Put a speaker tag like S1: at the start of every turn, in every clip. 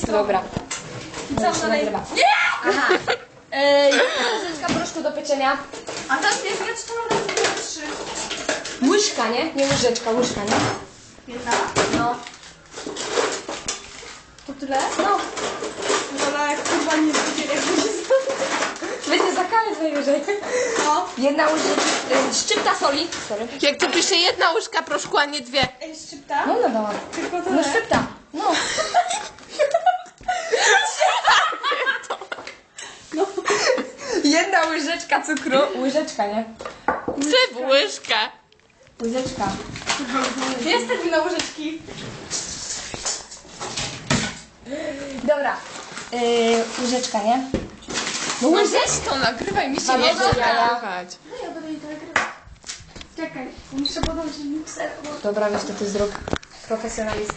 S1: Dobra.
S2: Co dalej?
S1: Nie! Aha. Łyżeczka proszku do pieczenia.
S2: A tam jest, ja czytałam raz, 2, 3.
S1: Łyżka, nie? Nie łyżeczka, łyżka, nie?
S2: Jedna.
S1: No.
S2: To tyle?
S1: No.
S2: Dobra, jak kurwa nie będzie, jak będzie
S1: Będzie za karę najwyżej.
S2: No.
S1: Jedna łyżeczka, szczypta soli. Sorry.
S3: Jak tu pisze 1 łyżka proszku, a nie 2.
S2: Ej, szczypta?
S1: No, no dałam.
S2: Tylko tyle.
S1: No szczypta. No.
S2: No.
S1: Jedna łyżeczka cukru. Łyżeczka, nie?
S3: Czy w łyżkę?
S1: Łyżeczka.
S2: Jest termin łyżeczki.
S1: Dobra. Łyżeczka, nie?
S3: No weź to, nagrywaj, mi się
S1: Dobra,
S3: nie chce
S1: dobra.
S3: nagrywać.
S2: No ja będę jej to nagrywać. Czekaj, muszę podać mikser, bo...
S1: Dobra, weź to ty zrób. Profesjonalista.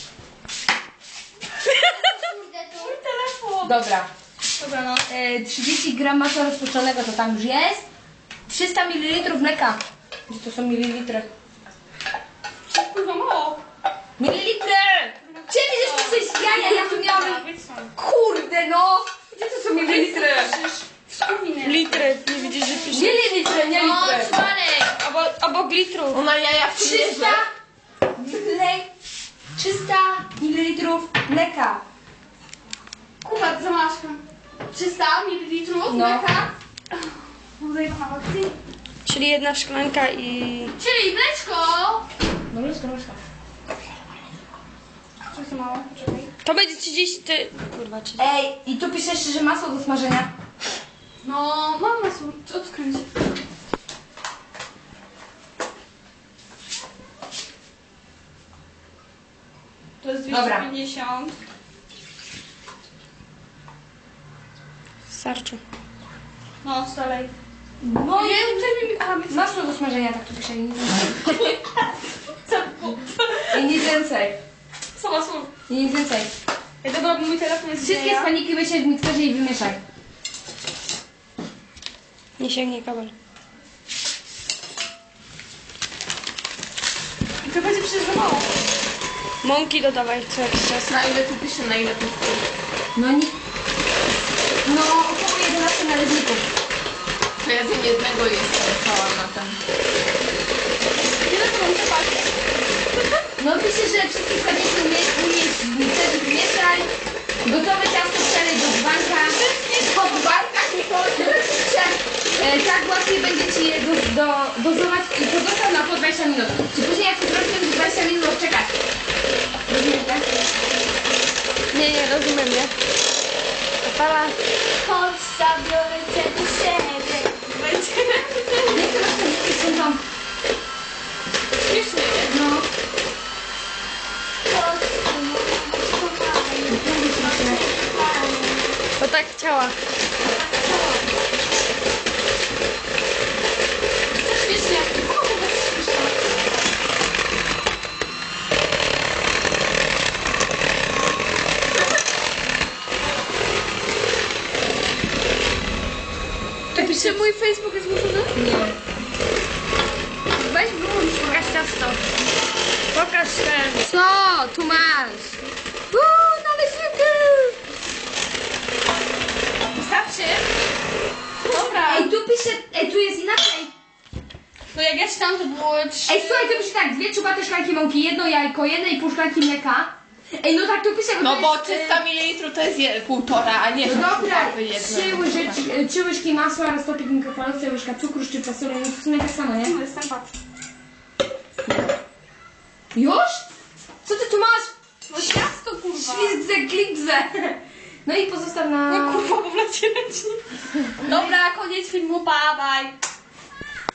S2: Mój telefon.
S1: Dobra.
S2: Dobra, no.
S1: 30 gram masła rozpuszczonego to tam już jest. 300 ml mleka. Gdzie to są mililitry?
S2: Kurwa mało.
S1: Mililitry! Ciebie żeś coś jaja, ja tu miałam... Kurde no! Gdzie to są mililitry?
S2: Litry. Nie widzisz, że pisze?
S1: Mililitry, nie litry.
S2: Obok litrów.
S3: Ona jaja w
S1: 300 300 ml mleka.
S2: Kuba, zamaszkam. 300 ml
S1: No.
S2: mleka. Tutaj na akcji.
S4: Czyli jedna szklanka i...
S2: Czyli mleczko.
S1: No łyżka, łyżka.
S2: Co to mało? Poczekaj.
S4: To będzie 30... Kurwa, 30.
S1: Ej, i tu pisze jeszcze, że masło do smażenia.
S2: No, mam masło. Odkręć. To jest
S1: Dobra.
S2: 250.
S4: Starczy.
S2: No, dalej.
S1: No
S2: Nie, aha, my...
S1: masło do smażenia, tak tu pisze i nic więcej.
S2: Co?
S1: I nic więcej.
S2: Co masło?
S1: I nic więcej.
S2: Ej, dobra, bo mój telefon jest
S1: Wszystkie składniki wysiedź w mikserze i wymieszaj.
S4: Nie sięgnie kabel.
S2: I to będzie przecież za mało.
S4: Mąki dodawaj co jakiś czas.
S3: Na ile tu pisze, na ile tu
S1: No nie... No około 11 należników.
S3: To ja z jednego jestem cała na ten.
S2: Ile to mam przepaść?
S1: No pisze, że wszystkie składniki umieść w mikserze, wymieszaj. Gotowe ciasto przelej do dzbanka. Po dzbankach tak łatwiej będzie Ci je dozować i pozostaw na po 20 minut. Czy później jak to zrobisz, 20 minut czekać? Rozumiesz, tak?
S4: Nie, rozumiem, nie? Opala.
S2: Chodź, zabiorę cię do siebie.
S1: Nie chcę rozpocząć, są tam.
S3: Śmiesznie, nie?
S1: No.
S4: To tak chciała.
S2: Śmiesznie.
S4: Czy mój Facebook jest włączony?
S1: Nie.
S4: Weź wyłącz, pokaż ciasto. Pokaż ten. Co? Tu masz. Naleśniki.
S2: Wystarczy? Dobra.
S1: Ej, tu pisze, tu jest inaczej.
S2: No jak ja czytam, to było 3...
S1: Ej, słuchaj, to pisze tak, 2 czubate szklanki mąki, 1 jajko, 1,5 szklanki mleka. Ej, no tak tu pisze,
S3: No
S1: to
S3: bo
S1: jest,
S3: 300 ml to jest 1,5, a nie
S1: No dobra,
S3: jedno.
S1: 3 łyżki masła, roztopik w mikrofalówce, łyżka cukru, szczypta soli, no to w sumie tak samo, nie?
S2: Występa.
S1: Już? Co ty tu masz?
S2: No ciasto, kurwa.
S1: Ślizdzę, klipzę. No i pozostaw na...
S2: No kurwa, bo w lacie leci. Dobra, koniec filmu, pa, bye.